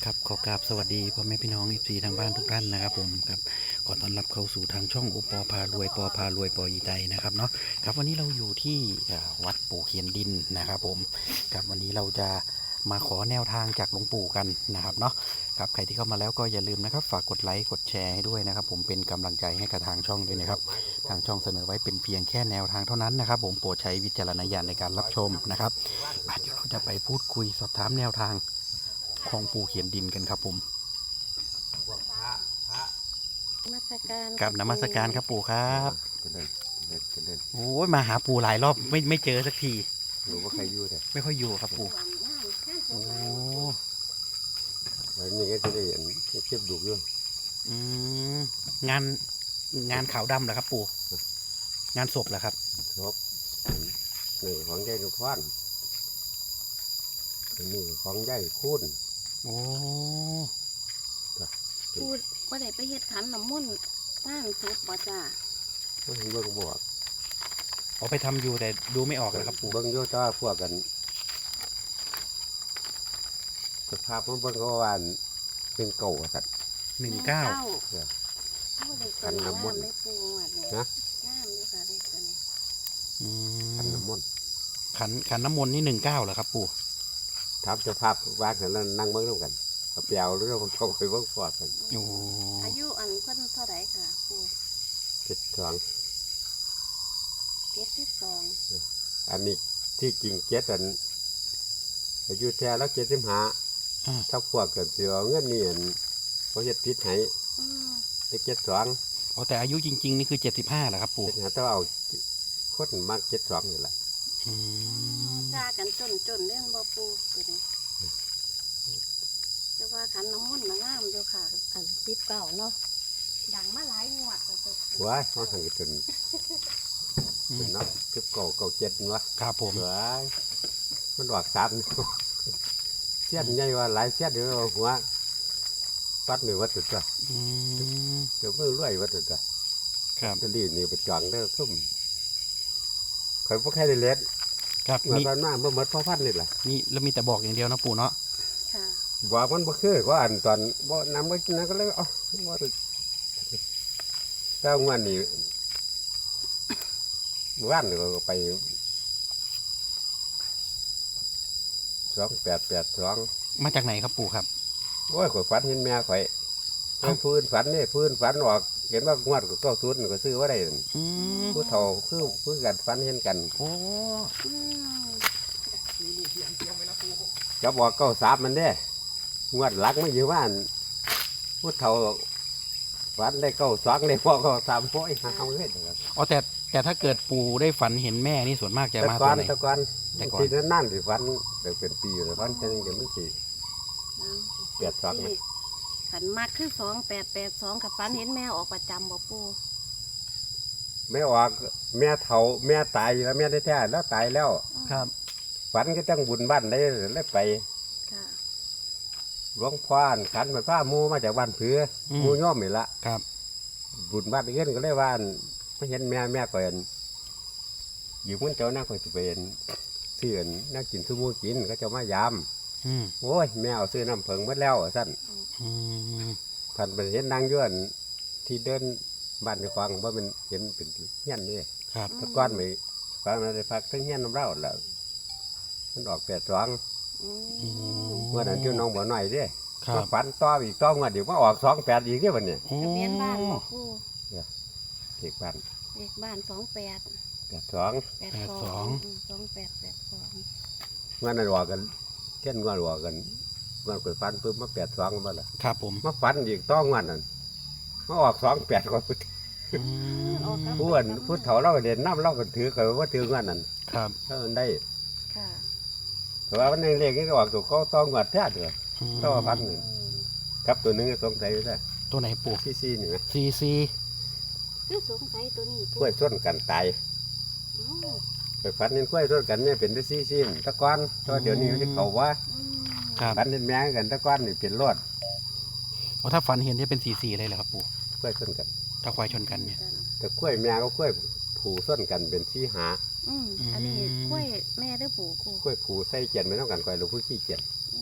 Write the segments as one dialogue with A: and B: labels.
A: ครับขอกราบสวัสดีพ่อแม่พี่น้องFCทางบ้านทุกท่านนะครับผมครับขอต้อนรับเข้าสู่ทางช่องโอปอพารวยปอพารวยปออีไตนะครับเนาะครับวันนี้เราอยู่ที่วัดปู่เขียนดินนะครับผมครับวันนี้เราจะมาขอแนวทางจากหลวงปู่กันนะครับเนาะครับใครที่เข้ามาแล้วก็อย่าลืมนะครับฝากกดไลค์กดแชร์ให้ด้วยนะครับผมเป็นกำลังใจให้กับทางช่องด้วยนะครับทางช่องเสนอไว้เป็นเพียงแค่แนวทางเท่านั้นนะครับผมโปรดใช้วิจารณญาณในการรับชมนะครับเดี๋ยวเราจะไปพูดคุยสอบถามแนวทางของปู่เขียนดินกันครับผม
B: นมัสการ
A: กับนมัสการครับปู่ครับ
C: เจริญเจริญ
A: โอ้ยมาหาปู่หลายรอบไม่เจอสักที
C: รู้ว่าใครอยู่แต่
A: ไม่ค่อยอยู่ครับปู่โอ้
C: วันนี้ก็จะได้เห็นเทียบดูอยู่
A: อืมงานงานขาวดำเหรอครับปู่งานศพเหรอครับ
C: ครบหนึ่งของใหญ่ทุกท่านหนึ่งของใหญ่คุ้น
A: โอ้
B: พูดว่าได้ไปเฮ็ดขันน้ำมนต์ตั้งศพบ่จ้า
C: เบิ่งเบิ่งบวก
A: เอาไปทำอยู่แต่ดูไม่ออกเลยครับปู่
C: เบิ่งโยต้าพวกกันสภาพมันเบิ่งก็ว่าเป็นเก่าสัตว์
A: 19
C: ขันน้ำมนต์
B: ได้ปูอ่ะเนี่ย
C: นะ
B: งามเลยค่ะเลขตัวนี้
A: อื
C: ขัน
A: ม
C: น้ำมนต์
A: ขันน้ำมนต์นี่19เหรอครับปู่
C: ถามสภาพวางกันแล้วนั่งเบิ่งร่วมกันกับเปียวหรือเราชมไปเบิ่งฟอดกัน
A: โอ้
B: อายุอันเพิ่นเท่าไหร่ค่ะปู
C: 72
B: 72
C: อันนี้ที่จริง7อันอายุแท้แล้ว75
A: อ่า
C: ถ้าพวกเกิดเสือเงินนี่เขาจะพิษให้
B: อืม
C: ไป72
A: เอาแต่อายุจริงๆนี่คือ75เหรอครับปู่
C: เป็นหาต้องเอาคนมาก72นี่แหละ
A: อืม
B: จ้ากันจนเรื่องบ่ปูตัวนี้แต่ว่าขันน้ำมนต์น่ะงามอยู่ค่ะ อัน19เนาะดังมาหลายงวดแล้วตัว
C: ว้ายมันหันกันจน
A: อืม
C: เนาะ9 7วะ
A: ครับผม
C: ว้ายมันออก3เสี้ยนใหญ่ว่าหลายเสี้ยนเดี๋ยวเอาหัวปัดมือวัดตัว
A: อืม
C: เดี๋ยวมือรวยวัดตัว
A: ครับ
C: จะรีบนี่ไปจองได้ซุ่มข่อยบ่ใครได้เล็ด
A: ครับ
C: เมื่อ
A: มี
C: ตอนหน้าเมื่อหมดพ่อพันนี่แหละ
A: นี่แล้วมีแต่บอกอย่างเดียวนะปู่เนาะ
B: ค่ะ
C: บอกมันบ่คือว่าอันตอนบ่นำไว้กินนะก็เลยเอาบ่ได้แต่งวันนี้ว่านนี่ก็ไป2882
A: มาจากไหนครับปู่ครับ
C: โอ้ยข่อยฝันเห็นแม่ข่อย
A: เอ้า
C: พื้นฝันนี่พื้นฝันออกเห็นว่างวดก็90นี่ก็ซื้อว่าได้นั่น
A: อืม
C: ผู้เฒ่าคือกันฝันเห็นกัน
A: โอ้
B: อืม
C: ก็บอก93มันเด้งวดหลักไม่อยู่ว่าอันผู้เฒ่าฝันได้92ได้บอก93โอ้ยหาเอาเลย
A: อ๋อแต่ถ้าเกิดปู่ได้ฝันเห็นแม่นี่ส่วนมากจะ
C: แต่
A: มา
C: ก่
A: ตั
C: อ
A: วน ไหน
C: แต่ก่อน
A: แต่ก่อน
C: ที่นั่นสิฝันเดี๋ยวเป็นปีอยู่แล้วฝันจังเดี๋ยวมันสิ
B: เอา
C: 82นะ
B: ขันมากคือ2882กับฟันเห็นแม่ออกประจำบ่ปู
C: แม่ออกแม่เฒ่าแม่ตายแล้วแม่ได้แท้ๆแล้วตายแล้ว
A: ครับ
C: ฝันก็จังบุญบ้านได้เลยไป
B: ค่ะ
C: หลวงพ่อขันเหมือนผ้ามูมาจากบ้านเผือมูย่อมนี่ละ
A: ครับ
C: บุญบ้านเงินก็เลยว่าไม่เห็นแม่ก่อนอยู่มันเจ้าหน้าคอยสิเป็นเสื่อนน่ากินซื้อมูกินก็จะมายาม
A: อืม
C: โอ้ยแม่เอาซื้อน้ำเพิงหมดแล้วสั้น
A: อืม
C: ผ่านไปเห็นนางย้อนที่เดินบ้านในฟังว่ามันเห็นเป็นเงี้ยนนี่
A: ครับ
C: ตะก้อนไม่ฟังอะไรพักทั้งเงี้ยนน้ำเล่าแล้วมันออก82
B: อืม
C: เมื่อนั้นที่น้องบ่อหน่อยเด้
A: ครับ
C: มาฝันต่ออีกต่องวดเดี๋ยวมาออก28อีกเด้วันนี้
A: โอ้
B: ทะเบียนบ้านบ่ปู
C: เด็กบ้าน
B: เลขบ้าน28
C: 82
B: 2882
C: เมื่อนั้นออกกันเช่นว่าออกกันเมื่อเปิดฝันปุ๊บมา82มาละ
A: ครับผม
C: มาฝันอีกต้องวดนั้นมาออก28ก็
A: อืม
C: ผู้เฒ่าเราก็เด่นน้ำเราก็ถือกันว่าถืองวดนั้น
A: ครับ
C: ถ้ามันได้
B: ค่ะ
C: แต่ว่าวันนึงเลขนี้ก็ออกตัวก็ต้องงวดแท้เด้อ
A: อืม
C: ต้องว่าฝันหนึ่งครับตัวหนึงก็สงสัยอยู่ได้
A: ตัวไหนปู่
C: ซี่ๆนี่นะ
A: ซีซี
B: คือสงสัยตัวนี้
C: กล้วยส้นกันตาย
B: อ๋อ
C: ไปฝันเห็นกล้วยส้นกันเนี่ยเป็นได้ซี่ๆตะก้อนแตัวาเดี๋ยวนี้มันจะเขาว่า
B: อืม
A: ครับ
C: ฝันเห็นแม่กันตะก้อนนี่เป็นรถ
A: เพราะถ้าฝันเห็นจะเป็นซีซีเลยเหรอครับปู่
C: กล้วยส้นกัน
A: ถ้าควายชนกันเนี่ย
C: แต่กล้วยแม่ก็กล้วยผูส้นกันเป็นซี่หา
B: อืมอันนี้กล้วยแม่หรือปู่กู
C: กล้วยผูใส่เกียนไม่ต้องกันกล้วยหรือผู้ขี้เกียจ
B: อืม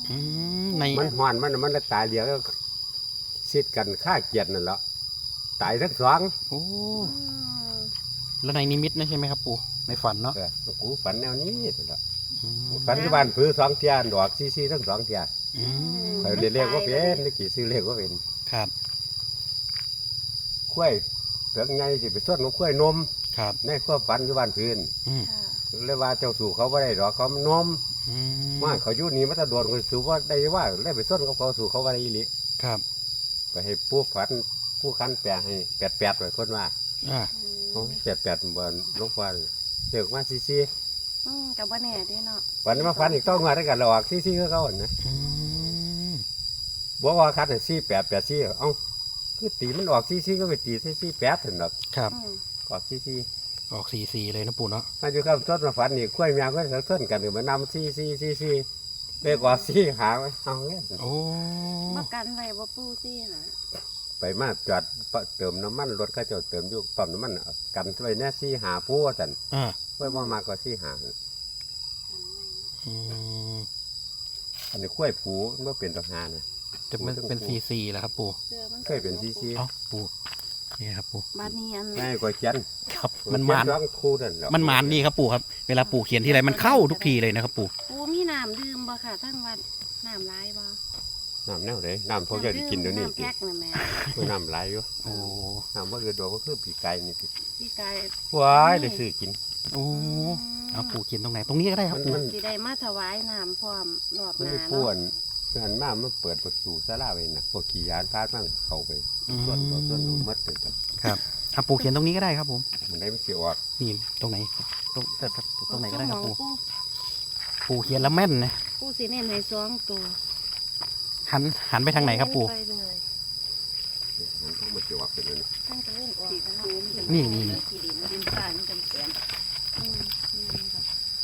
A: ใน
C: มันหอนมันตายเดียวก็ซิดกันฆ่าเกียรตินั่นแหละตายทั้งสอง
A: โอ้
B: อืม
A: แล้วในนิมิตนะใช่ไหมครับปู่ในฝันเนาะ
C: กูฝันแนวนี้นั่นแหละ
A: อืม
C: ฝันที่บ้านผือสองเทียนดอกซีทั้งสองเทีย
A: อืม
C: เขาเรียกว่าเป็นนี่กี่ซื้อเรียกว่าเป็น
A: ครับ
C: กล้วยเปลือกใหญ่สิไปส่วนของกล้วยนม
A: ครับ
C: ในความฝันที่บ้านพื้น
A: อืม
B: ค่ะ
C: เลยว่าเจ้าสู่เขาไม่ได้หรอกเขามันนม
A: อืม
C: ว่าเขาอยู่นี่มันจะโดนคนสู่ว่าได้ว่าได้ไปส่วนกับเขาสู่เขาว่าได้อีหลี
A: ครับ
C: ไปให้ผู้ฝันผู้คันแปลให้แปดเลยคนว่า
A: อ่า
B: อืม
C: แปดบนลูกวันเด็กมาซี
B: กับว่าแน่เด้เนาะ
C: วันนี้มาฝันอีกต้องมาได้กันหรอกซีก็เขาเนะ
A: อืม
C: บอกว่าคันให้แปดเอ้าคือตีมันออกซีก็ไปตีซีแปดถึงหรอก
A: ครับ
B: อืม
C: ออกซี
A: ออก4-4เลยนะปู่เนาะ
C: มาอยู่กับต้นมาฝันนี่กล้วยแมวก็สักต้นกันหรือมานำซีเรียกว่าซีหาไว้เอาเงี้ย
A: โอ้
B: บ่กันไว้บ่ปูซี่หา
C: ไปมาจอดเติมน้ำมันรถก็จะเติมอยู่ปั๊มน้ำมันกันไว้แน่ซีหาผู้ว่าสัน
A: อ่า
C: กล้วยบ่มากกว่าซีหา
A: อืม
C: อันนี้กล้วยผูมันบ่เป็นตัวหานะ
A: จะเป็น4-4แล้วครับปู่
B: เสื้อมัน
C: เคยเป็นซี
A: เอ้าปู่นี่ครับปู่
B: บัดนี้อัน
C: ง่ายกว่าเขียน
A: ครับมันหมาน
C: ร้องครูนั่นแหละ
A: มันหมานดีครับปู่ครับเวลาปู่เขียนทีไรมันเข้าทุกทีเลยนะครับปู่
B: ปูมีน้ำดื่มบ่ค่ะทั้งวันน้ำหลายบ่
C: น้ำแนวไหนน้ำพวกเจ้าได้กินเดี๋ยวนี้
B: น้ำแพ็คน่ะแม่
C: คือน้ำไหลอยู่
A: โอ้
C: น้ำว่าเอือดอกก็คือปีไก่นี่สิ
B: พี่กาย
C: ว้ายได้ซื้อกิน
A: โอ้เอาปู่เขียนตรงไหนตรงนี้ก็ได้ครับปู่
C: มัน
B: สิได้มาถวายน้ำพร้อมรอบห
C: มัน
B: น้า
C: ได้
B: เนาะ
C: พ่วนหันมามันเปิดประตูศาลาไว้น่ะพวกขี่ยานพาดมั่งเข้าไปส่วนเอามัดถึงกัน
A: ครับเอาปู่เขียนตรงนี้ก็ได้ครับผม
C: มันได้มันสิออก
A: นี่ตรงไหนตรงไหนก็ได้ครับปู่
B: ปู
A: ปู่เขียนแล้วแม่นนะ
B: ปูสิเน้นให้สองตัว
A: หันไปทางไหนครับปู่
B: ไปเลย
C: มันต้องมันสิออกเป็นอันนี้
B: ตั้งแต่เล่นออกแล้วเนาะ
A: นี่
B: ที่ดินดินทรายมันเป็นแสนอืมนี่ครับ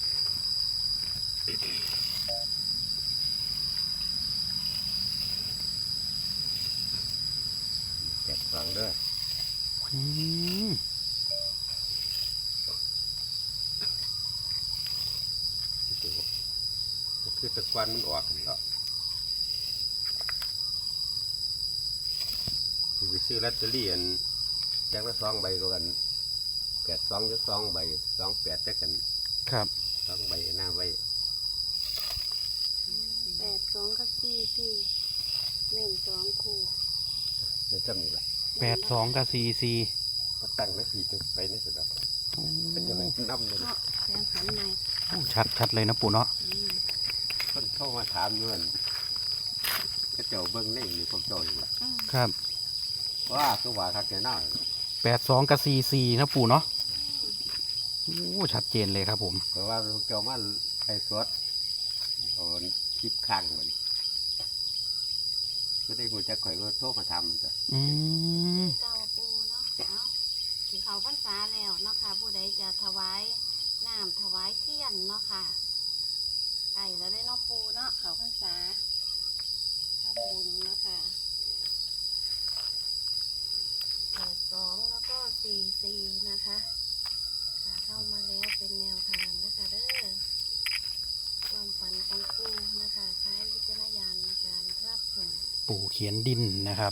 C: แกะฝังเด้อ
A: อืม
C: คือตะกวันมันออกนี่แล้วที่ไปซื้อลอตเตอรี่อันแจกละ2 ใบก็กัน82จะ2 ใบ28จะกัน
A: ครับ
C: 2 ใบหน้าไว้
B: 8 2กับ4 4เน้น2คู่
C: มันจำนี่แหละ
A: 82กับ44
C: มาตั้งนาทีจะไปในสุดแล้ว
A: โอ้
C: เป็นจะไม่นับเลย
B: เนาะแปลงขันใหม่
A: ชัดเลยนะปู่เนาะ
B: อืม
C: คนเข้ามาถามอยู่นั่นก็เจ้าเบิ้งในนี่พวกเจ้าอยู่ล่ะ
B: อืม
A: ครับ
C: ว่าคือว่าคักแน่นอน
A: 82กับ44นะปู่เนาะโอ้ชัดเจนเลยครับผม
C: เพราะว่าพวกเจ้ามาไอ้สดโอนคลิปข้างมันก็ได้กูจะข่อยก็โทรมาทำมันจ้ะ
A: อืม
B: เก้าปูเนาะเอาสิเขาพรรษาแล้วเนาะค่ะ ผู้ใดจะถวายน้ำถวายเทียนเนาะค่ะไก่แล้วได้เนาะปูเนาะเขาพรรษาทำบุญเนาะค่ะ82แล้วก็44นะคะค่ะเข้ามาแล้วเป็นแนวทางนะคะเด้อความฝันของปูนะคะใช้วิจารณญาณในการรับชม
A: ปู่เขียนดินนะครับ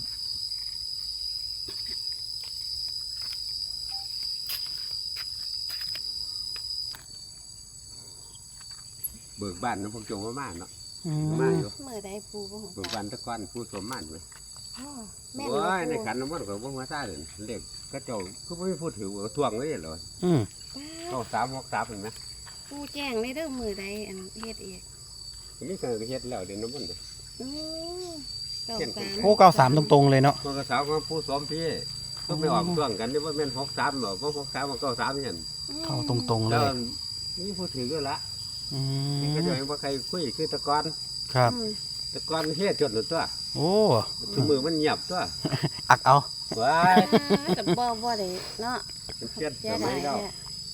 C: เบิกบ้านนะพวกเจ้ามามาเนาะ
A: อื
C: มาอยู่
B: เมื่อใดปูบ่ฮู้
C: เบิกบ้านตะก้อนผู้สมมันไหม
B: อ๋อแม่น
C: โอ้
B: บ่
C: ยใน
B: ปู
C: ขันน้ำมันก็บ่มาซ่าเด่นเด็กก็เจ้าก็ไม่พูดถือว่าทวงเลยเหรอ
A: อืม
C: เอา363เห็นไหม
B: ปูแจ้งในเด้อมือใดอันเฮ็ดเอง
C: นี่ก็เฮ็ดแล้วเดี๋ยวน้ำมันเลย
B: อือเก้าสาม
A: โอ้93ตรงๆเลยเนาะ
C: มันก็สาวของผู้สมพี่ก็ไม่ออกช่วงกันนี่ว่าแม่น63หรอกเพราะ63มัน93นี่หั่น
A: เข้าตรงๆเล
C: แล้ว
A: ย
C: นี่พูดถือก็ละ
A: อื
C: นี่
A: ม
C: ก็จะเห็นว่าใครคุยคือตะกอน
A: ครับ
B: อืม
C: ตะกอนเฮ็ดจดหนึ่งตัว
A: โอ้
C: ทุกมือมันเงียบตัว
A: อักเอา
C: ว้าย
B: กับบ่ได้เนาะ
C: มันเปลี่ยน
B: เสี
C: ส
B: ย
C: มั
B: ดาย ย
C: แล้ว
B: แท้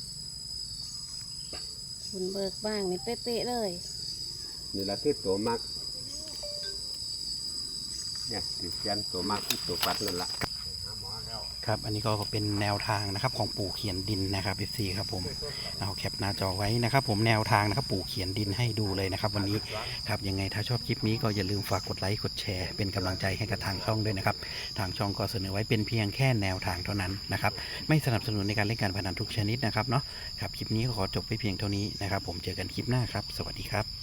B: คุณเบิกบ้างนี่เป๊ะๆเลย
C: นี่แหละคือตัวมักเนี่ยสิเปลี่ยนตัวมักคือตัวปัดนั่นละ
A: คครับอันนี้ก็เป็นแนวทางนะครับของปู่เขียนดินนะครับ FC ครับผมเอาแคปหน้าจอไว้นะครับผมแนวทางนะครับปู่เขียนดินให้ดูเลยนะครับวันนี้ครับยังไงถ้าชอบคลิปนี้ก็อย่าลืมฝากกดไลค์กดแชร์เป็นกำลังใจให้กับทางช่องด้วยนะครับทางช่องก็เสนอไว้เป็นเพียงแค่แนวทางเท่านั้นนะครับไม่สนับสนุนในการเล่นการพนันทุกชนิดนะครับเนาะครับคลิปนี้ก็ขอจบไปเพียงเท่านี้นะครับผมเจอกันคลิปหน้าครับสวัสดีครับ